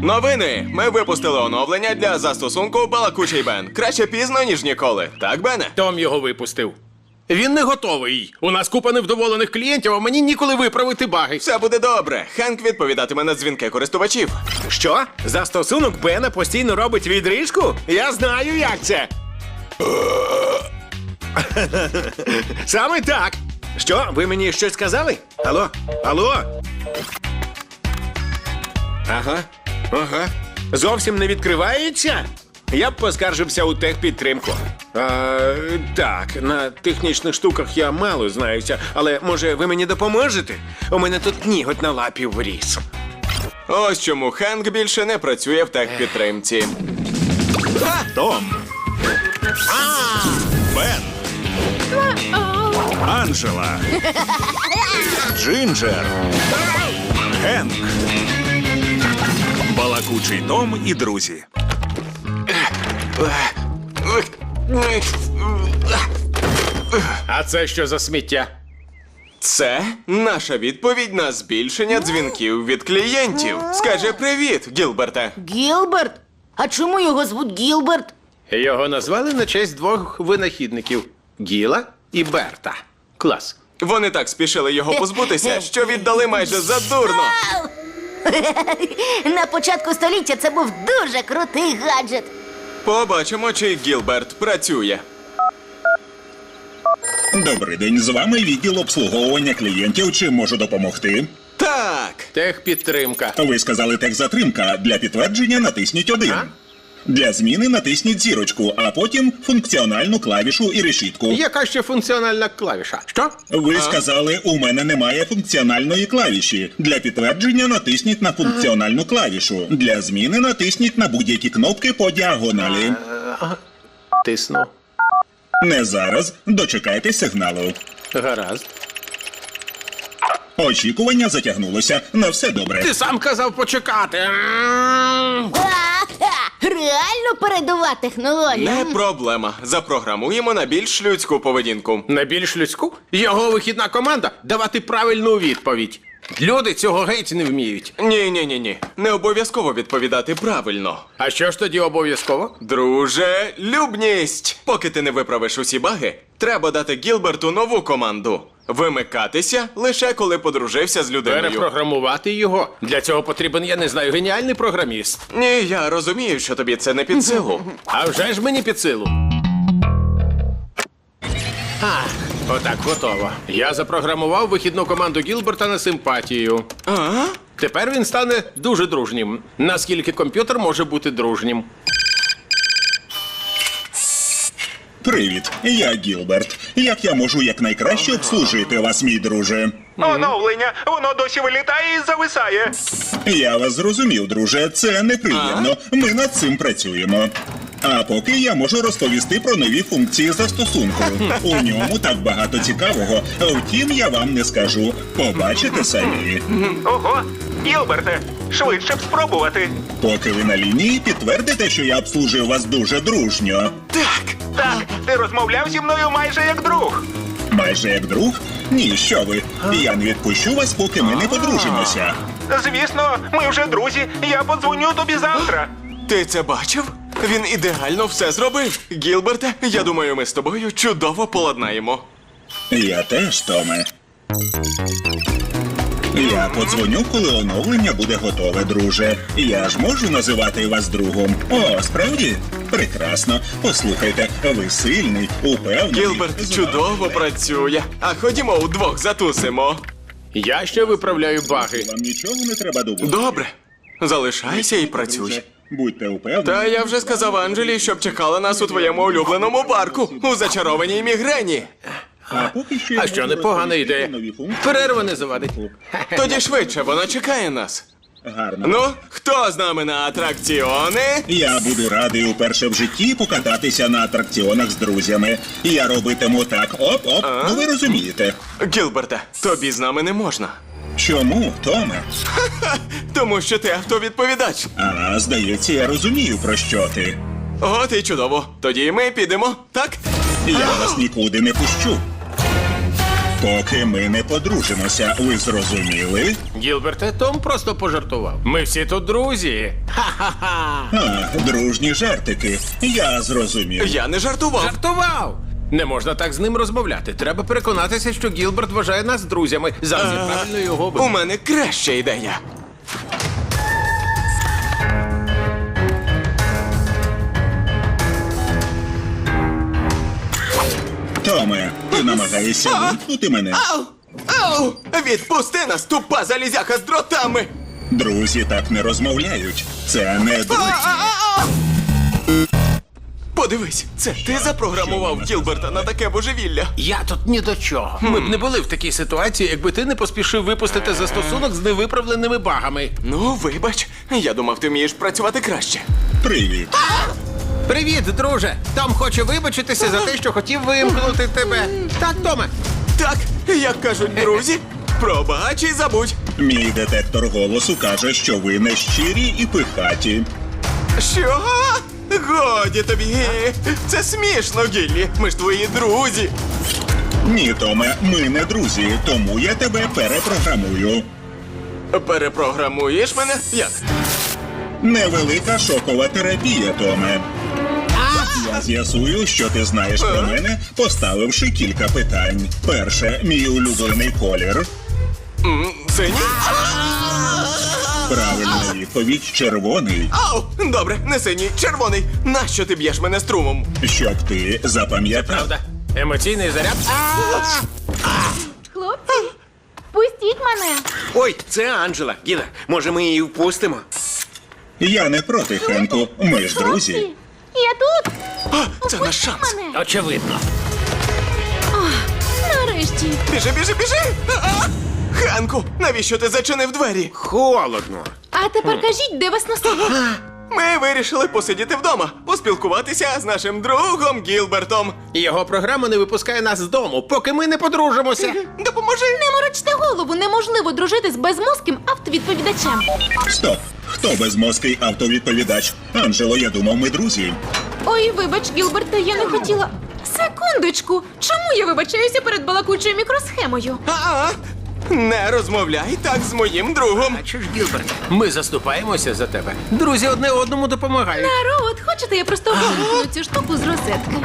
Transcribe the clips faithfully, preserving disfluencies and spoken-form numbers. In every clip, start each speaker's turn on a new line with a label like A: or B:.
A: Новини! Ми випустили оновлення для застосунку «Балакучий Бен». Краще пізно, ніж ніколи. Так, Бене?
B: Том його випустив. Він не готовий. У нас купа невдоволених клієнтів, а мені ніколи виправити баги.
A: Все буде добре. Хенк відповідатиме на дзвінки користувачів.
C: Що? Застосунок Бена постійно робить відрижку? Я знаю, як це. Саме так. Що, ви мені щось сказали? Алло? Алло? Ага, ага. Зовсім не відкривається? Я б поскаржився у техпідтримку. А, так, на технічних штуках я мало знаюся, але, може, ви мені допоможете? У мене тут ніготь на лапі вріс.
A: Ось чому Хенк більше не працює в техпідтримці.
D: Том. Бен. Анджела. Джинджер. Хенк. Балакучий Том і друзі.
B: А це що за сміття?
A: Це наша відповідь на збільшення дзвінків від клієнтів. Скаже привіт, Гілберте.
E: Гілберт? А чому його звуть Гілберт?
B: Його назвали на честь двох винахідників – Гіла і Берта. Клас.
A: Вони так спішили його позбутися, що віддали майже задурно.
E: На початку століття це був дуже крутий гаджет.
A: Побачимо, чи Гілберт працює.
D: Добрий день, з вами відділ обслуговування клієнтів. Чим можу допомогти?
A: Так.
B: Техпідтримка.
D: Ви сказали техзатримка. Для підтвердження натисніть один.
B: А?
D: Для зміни натисніть зірочку, а потім функціональну клавішу і решітку.
B: Яка ще функціональна клавіша? Що?
D: Ви сказали, у мене немає функціональної клавіші. Для підтвердження натисніть на функціональну клавішу. Для зміни натисніть на будь-які кнопки по діагоналі.
B: Тисну.
D: Не зараз. Дочекайтесь сигналу.
B: Гаразд.
D: Очікування затягнулося. На все добре.
B: Ти сам казав почекати.
E: Ага, реально передова технологія.
A: Не проблема. Запрограмуємо на більш людську поведінку.
B: На більш людську? Його вихідна команда – давати правильну відповідь. Люди цього геть не вміють.
A: Ні-ні-ні-ні. Не обов'язково відповідати правильно.
B: А що ж тоді обов'язково?
A: Друже, любність! Поки ти не виправиш усі баги, треба дати Гілберту нову команду. Вимикатися лише коли подружився з людиною.
B: Перепрограмувати його. Для цього потрібен, я не знаю, геніальний програміст.
A: Ні, я розумію, що тобі це не під силу.
B: А вже ж мені під силу. А, отак готово. Я запрограмував вихідну команду Гілберта на симпатію.
A: А?
B: Тепер він стане дуже дружнім. Наскільки комп'ютер може бути дружнім?
D: Привіт, я Гілберт. Як я можу якнайкраще обслужити вас, мій друже?
F: Оновлення! Воно досі вилітає і зависає.
D: Я вас зрозумів, друже. Це неприємно. Ми над цим працюємо. А поки я можу розповісти про нові функції застосунку. У ньому так багато цікавого. Втім, я вам не скажу. Побачите самі.
F: Ого! Гілберте, швидше б спробувати.
D: Поки ви на лінії, підтвердите, що я обслужив вас дуже дружньо.
A: Так.
F: Так, ти розмовляв зі мною майже як друг.
D: Майже як друг? Ні, що ви. Я не відпущу вас, поки ми не подружимося.
F: Звісно, ми вже друзі. Я подзвоню тобі завтра.
A: Ти це бачив? Він ідеально все зробив. Гілберте, я думаю, ми з тобою чудово поладнаємо.
D: Я теж, Томе. Я подзвоню, коли оновлення буде готове, друже. Я ж можу називати вас другом. О, справді? Прекрасно. Послухайте, ви сильний, упевнений.
A: Гілберт
D: З
A: чудово
D: вами-
A: працює. А ходімо удвох затусимо.
B: Я ще виправляю баги.
D: Вам нічого не треба думати.
A: Добре. Залишайся і працюй.
D: Друже, будьте упевнені.
A: Та я вже сказав Анджелі, щоб чекала нас у твоєму улюбленому парку, у зачарованій мігрені.
D: А поки що я
B: А що,
D: можу
B: непогана
D: розповісти
B: ідея.
D: про нові функції.
B: Перерва не завадить.
A: Тоді швидше, вона чекає нас.
D: Гарно.
A: Ну, хто з нами на атракціони?
D: Я буду радий уперше в житті покататися на атракціонах з друзями. Я робитиму так оп-оп, ну ви розумієте.
A: Гілберте, тобі з нами не можна.
D: Чому, Томе?
A: Тому що ти автовідповідач.
D: А, здається, я розумію, про що ти.
A: От і чудово. Тоді ми підемо, так?
D: Я вас нікуди не пущу. Поки ми не подружимося, ви зрозуміли?
B: Гілберте, Том просто пожартував. Ми всі тут друзі. Ха-ха-ха.
D: А, дружні жартики. Я зрозумів.
A: Я не жартував.
B: Жартував! Не можна так з ним розмовляти. Треба переконатися, що Гілберт вважає нас друзями. Завжди правильно його
A: У
B: вибрати.
A: мене краща ідея.
D: Томе, ти намагаєшся вимкнути мене?
A: Ау! Ау! Відпусти нас, тупа залізяка з дротами!
D: Друзі так не розмовляють. Це не друзі.
A: Подивись, це ти запрограмував Гілберта на таке божевілля.
B: Я тут ні до чого. Ми б не були в такій ситуації, якби ти не поспішив випустити застосунок з невиправленими багами.
A: Ну, вибач, я думав, ти вмієш працювати краще.
D: Привіт.
B: Привіт, друже! Том хоче вибачитися за те, що хотів вимкнути тебе. Так, Томе?
A: Так, як кажуть друзі, пробач і забудь.
D: Мій детектор голосу каже, що ви не щирі і пихаті.
A: Що? Годі тобі. Це смішно, Гіллі. Ми ж твої друзі.
D: Ні, Томе, ми не друзі, тому я тебе перепрограмую.
A: Перепрограмуєш мене? Як?
D: Невелика шокова терапія, Томе. Я з'ясую, що ти знаєш про мене, поставивши кілька питань. Перше, мій улюблений колір.
A: М, Синій?
D: Правильна відповідь червоний.
A: Ау! Добре, не синій, червоний. Нащо ти б'єш мене струмом?
D: Щоб ти запам'ятав.
B: Правда? Емоційний заряд?
E: Хлопці, пустіть мене.
C: Ой, це Анджела. Гіда, може ми її впустимо?
D: Я не проти, Хенку. Ми ж друзі.
E: Хлопці, я тут.
A: А, це наш шанс.
E: Мене.
B: Очевидно.
E: Нарешті.
A: Біжи, біжи, біжи! А! Ханку, навіщо ти зачинив двері?
C: Холодно.
E: А тепер кажіть, де вас носило?
A: Ми вирішили посидіти вдома, поспілкуватися з нашим другом Гілбертом.
B: Його програма не випускає нас з дому, поки ми не подружимося.
A: Допоможи!
E: Не морочте голову, неможливо дружити з безмозким автовідповідачем.
D: Стоп. Хто безмозкий автовідповідач? Анджело, я думав, ми друзі.
E: Ой, вибач, Гілберте, я не хотіла. Секундочку, чому я вибачаюся перед балакучою мікросхемою?
A: А-а! Не розмовляй так з моїм другом.
B: Бачиш, Гілберт, ми заступаємося за тебе. Друзі одне одному допомагають.
E: Народ, хочете, я просто вимкну цю штуку з розетки?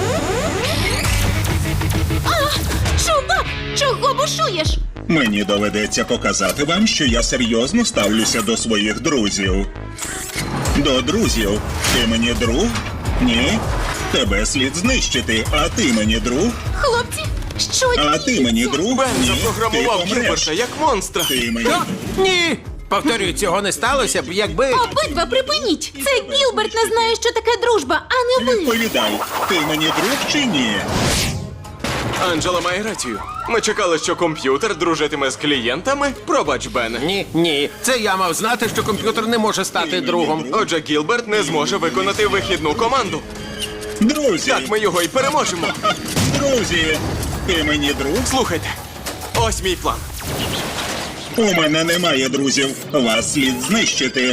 E: А, чувак, чого бушуєш?
D: Мені доведеться показати вам, що я серйозно ставлюся до своїх друзів. До друзів. Ти мені друг? Ні. Тебе слід знищити, а ти мені друг?
E: Хлопці, що
D: А ти мені друг?
A: Бен
D: Ні.
A: запрограмував
D: Ти помреш.
A: Гілберта як монстра.
D: Ти мені
B: Що? Ні! Повторюю, цього не сталося б, якби.
E: Обидва припиніть! Це Гілберт не знає, що таке дружба, а не ви!
D: відповідай. Ти мені друг чи ні?
A: Анджела має рацію. Ми чекали, що комп'ютер дружитиме з клієнтами. Пробач, Бен.
B: Ні, ні. Це я мав знати, що комп'ютер не може стати другом.
A: Отже, Гілберт не зможе виконати вихідну команду.
D: Друзі.
A: Так ми його і переможемо.
D: Ха, друзі. Ти мені друг?
A: Слухайте, ось мій план.
D: У мене немає друзів. Вас слід знищити.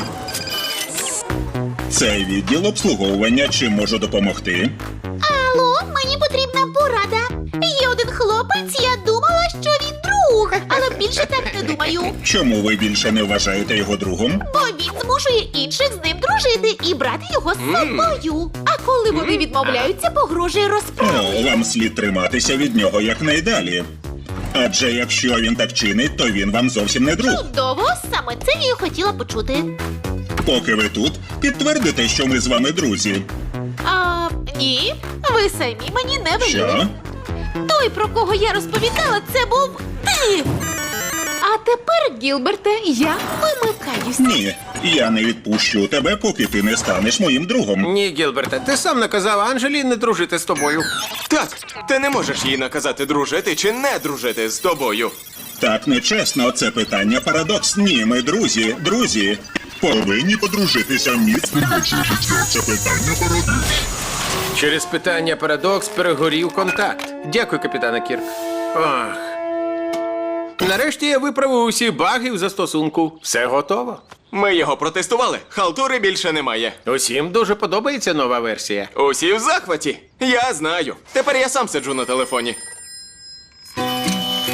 D: Це відділ обслуговування. Чим можу допомогти?
E: Алло, мені потрібна порада. Є один хлопець, я думала, що він друг, але більше так не думаю.
D: Чому ви більше не вважаєте його другом?
E: Бо він змушує інших з ним дружити і брати його з собою. А коли вони відмовляються, погрожує розправою.
D: О, вам слід триматися від нього якнайдалі. Адже якщо він так чинить, то він вам зовсім не друг.
E: Чудово, саме це я й хотіла почути.
D: Поки ви тут, підтвердите, що ми з вами друзі.
E: А, ні, ви самі мені не веліли.
D: Що?
E: Той, про кого я розповідала, це був ти. А тепер, Гілберте, я вимикаюся.
D: Ні, я не відпущу тебе, поки ти не станеш моїм другом.
B: Ні, Гілберте, ти сам наказав Анджелі не дружити з тобою.
A: Так, ти не можеш їй наказати дружити чи не дружити з тобою.
D: Так нечесно, це питання парадокс. Ні, ми друзі, друзі. Повинні подружитися міцно життя. Це питання парадокс.
B: Через питання парадокс перегорів контакт. Дякую, капітане Кірк. Ах. Нарешті я виправив усі баги в застосунку. Все готово.
A: Ми його протестували. Халтури більше немає.
B: Усім дуже подобається нова версія.
A: Усі в захваті. Я знаю. Тепер я сам сиджу на телефоні.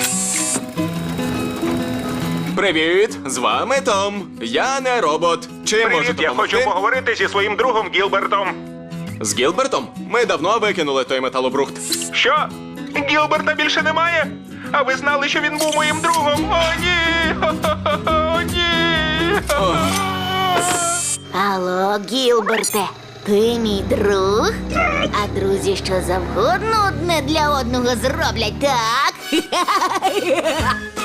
A: Привіт, з вами Том. Я не робот. Чим можу
F: Привіт, я
A: допомогти?
F: хочу поговорити зі своїм другом Гілбертом.
A: З Гілбертом? Ми давно викинули той металобрухт.
F: Що? Гілберта більше немає? А ви знали, що він був моїм другом? О, ні! О, ні!
G: Алло, Гілберте, ти мій друг?
D: Так.
G: А друзі що завгодно одне для одного зроблять, так?